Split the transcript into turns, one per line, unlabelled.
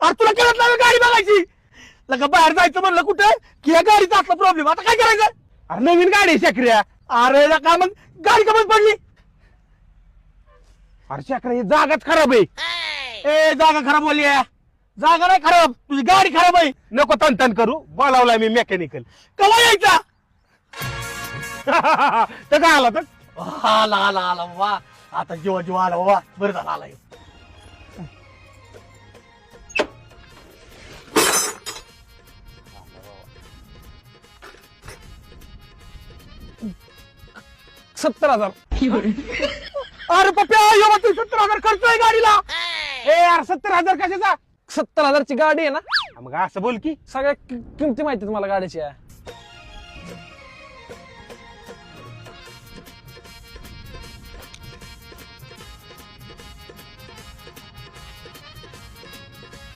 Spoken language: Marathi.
अरे तुला कळत नाही गाडी बघायची लगा बाहेर जायचं म्हणलं कुठे की या गाडीचा असला प्रॉब्लेम आता काय करायचं.
अरे नवीन गाडी शक्रिया.
अरे का मग गाडी कमी पडली.
अरे शक्रिया ही जागाच खराब आहे.
ए जागा खराब बोलली जागा नाही खराब तुझी गाडी खराब आहे.
नको तन करू बोलावलाय मी मेकॅनिकल.
कवा यायचा.
तर काय आला तर
आला आला आला वा आता जीव आला वा बरं झालं आला ह्यो. अरे पप्प्या ह्यो तू 70,000 खर्च आहे गाडीला.
ए यार 70,000 कशाचा.
70,000ची गाडी आहे ना.
मग असं बोल की
सगळ्या किमती माहिती तुम्हाला गाडीच्या.